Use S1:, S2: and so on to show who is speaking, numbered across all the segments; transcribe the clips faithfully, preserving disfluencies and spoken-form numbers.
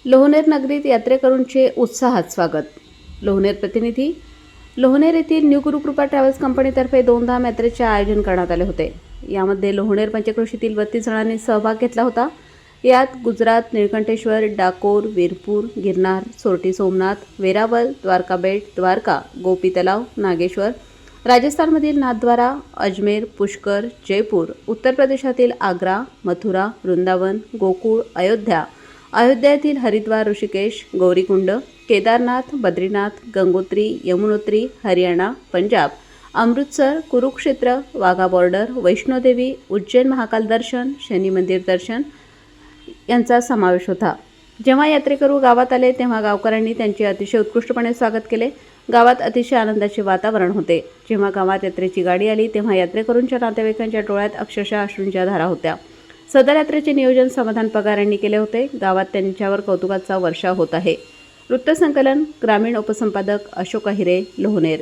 S1: लोहनेर नगरीत यात्रेकरूंचे उत्साहात स्वागत. लोहनेर प्रतिनिधी. लोहनेर येथील न्यू गुरुकृपा ट्रॅव्हल्स कंपनीतर्फे दोन धाम यात्रेचे आयोजन करण्यात आले होते. यामध्ये लोहनेर पंचक्रोशीतील बत्तीस जणांनी सहभाग घेतला होता. यात गुजरात, निळकंठेश्वर, डाकोर, वीरपूर, गिरनार, सोरटी सोमनाथ, वेरावल, द्वारका बेट, द्वारका, गोपी तलाव, नागेश्वर, राजस्थानमधील नाथद्वारा, अजमेर, पुष्कर, जयपूर, उत्तर प्रदेशातील आग्रा, मथुरा, वृंदावन, गोकुळ, अयोध्या, अयोध्या येथील हरिद्वार, ऋषिकेश, गौरीकुंड, केदारनाथ, बद्रीनाथ, गंगोत्री, यमुनोत्री, हरियाणा, पंजाब, अमृतसर, कुरुक्षेत्र, वाघा बॉर्डर, वैष्णोदेवी, उज्जैन महाकाल दर्शन, शनी मंदिर दर्शन यांचा समावेश होता. जेव्हा यात्रेकरू गावात आले तेव्हा गावकऱ्यांनी त्यांचे अतिशय उत्कृष्टपणे स्वागत केले. गावात अतिशय आनंदाचे वातावरण होते. जेव्हा गावात यात्रेची गाडी आली तेव्हा यात्रेकरूंच्या नातेवाईकांच्या डोळ्यात अक्षरशः अश्रूंच्या धारा होत्या. सदर यात्रेचे नियोजन समाधान पगार यांनी केले होते. गावात त्यांच्यावर कौतुकाचा वर्षाव होत आहे. वृत्तसंकलन ग्रामीण उपसंपादक अशोक अहिरे, लोहनेर.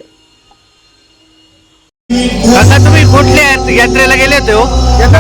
S2: आता तुम्ही कुठल्या यात्रेला गेले होते हो?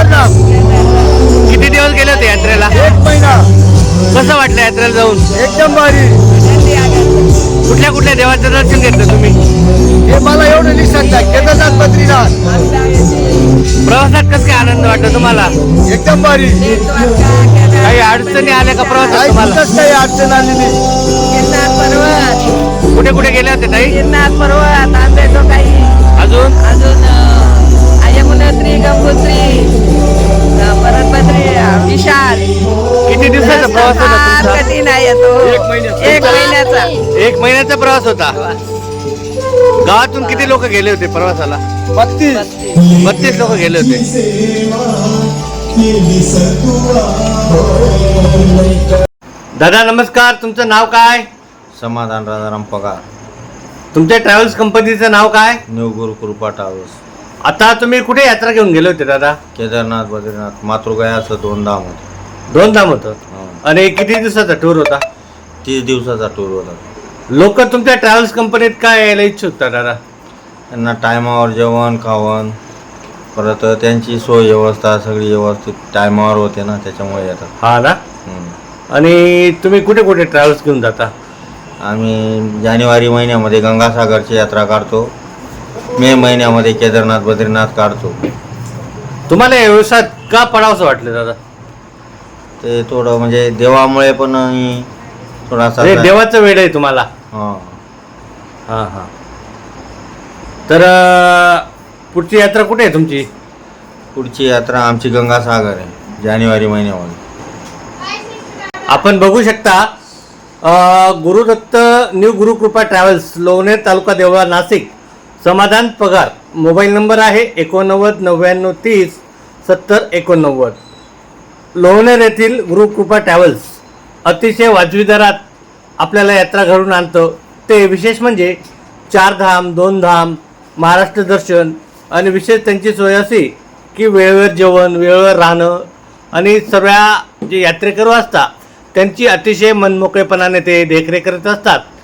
S2: किती दिवस गेले होते यात्रेला?
S3: एक महिना.
S2: कसं वाटलं यात्रेला जाऊन?
S3: एकदम भारी.
S2: कुठल्या कुठल्या देवाचं दर्शन घेतलं तुम्ही?
S3: हे मला एवढं नाही सांगता. केदारनाथ, बद्रीनाथ.
S2: प्रवासात कसं काय आनंद वाटतो तुम्हाला?
S3: एकदम भारी.
S2: काही अडचणी आल्या का प्रवासात
S3: काही
S2: तुम्हाला?
S3: कुठंच काही अडचण आली नाही.
S4: गिरनार पर्वत,
S2: कुठे कुठे गेले होते ताई?
S4: गिरनार पर्वत, आंबेजो काही,
S2: अजून
S4: अजून यमुनोत्री, गंगोत्री, परत बद्री, विशाल.
S2: किती दिवसाचा प्रवास होता
S4: फार
S2: तुमचा?
S4: कठीण आहे तो.
S3: एक महिन्याचा.
S4: एक महिन्याचा.
S2: एक महिन्याचा प्रवास होता. गावातून किती लोक गेले होते प्रवासाला?
S3: बत्तीस.
S2: बत्तीस लोक गेले होते. दादा नमस्कार, तुमचं नाव काय?
S5: समाधान राजाराम पगार,
S2: तुमच्या ट्रॅव्हल्स कंपनीचं नाव काय?
S5: New Gurukrupa travels.
S2: आता तुम्ही कुठे यात्रा घेऊन गेले होते दादा?
S5: केदारनाथ, बद्रीनाथ, मातृगया असं दोन धाम होते.
S2: दोन धाम होतं.
S5: हं.
S2: आणि किती दिवसाचा टूर होता?
S5: तीस दिवसाचा टूर होता.
S2: लोक तुमच्या ट्रॅव्हल्स कंपनीत काय यायला इच्छुक होता दादा?
S5: त्यांना टायमावर जेवण खावण, परत त्यांची सोय व्यवस्था सगळी व्यवस्थित टायमावर होते ना, त्याच्यामुळे येतात.
S2: हा ना.
S5: हं.
S2: आणि तुम्ही कुठे कुठे ट्रॅव्हल्स घेऊन जाता?
S5: आम्ही जानेवारी महिन्यामध्ये गंगासागरची यात्रा काढतो. मे महिन्यामध्ये केदारनाथ, बद्रीनाथ काढतो.
S2: तुम्हाला या व्यवसायात का पडावंसं वाटलं दादा?
S5: ते थोडं म्हणजे देवामुळे पण आणि थोडासा
S2: हे देवाचं वेळ आहे तुम्हाला.
S5: हां.
S2: हां हां. तर अं, पुढची यात्रा कुठे आहे तुमची?
S5: पुढची यात्रा आमची गंगासागर आहे जानेवारी महिन्यामध्ये.
S2: आपण बघू शकता अं, Gurudatt new Gurukrupa travels, Lohoner, taluka Deola, Nashik. Samadhan Pagar. Mobile number आहे एकोणनव्वद नव्याण्णव तीस सत्तर एकोणनव्वद. लोहनेर येथील गुरुकृपा ट्रॅव्हल्स अतिशय वाजवी दरात आपल्याला यात्रा घडवून आणतं. ते विशेष म्हणजे चार धाम, दोन धाम, महाराष्ट्र दर्शन आणि विशेष त्यांची सोय अशी की वेळेवर जेवण, वेळेवर राहणं आणि सर्व जे यात्रेकरू असतात त्यांची अतिशय मनमोकळेपणाने ते देखरेख करत असतात.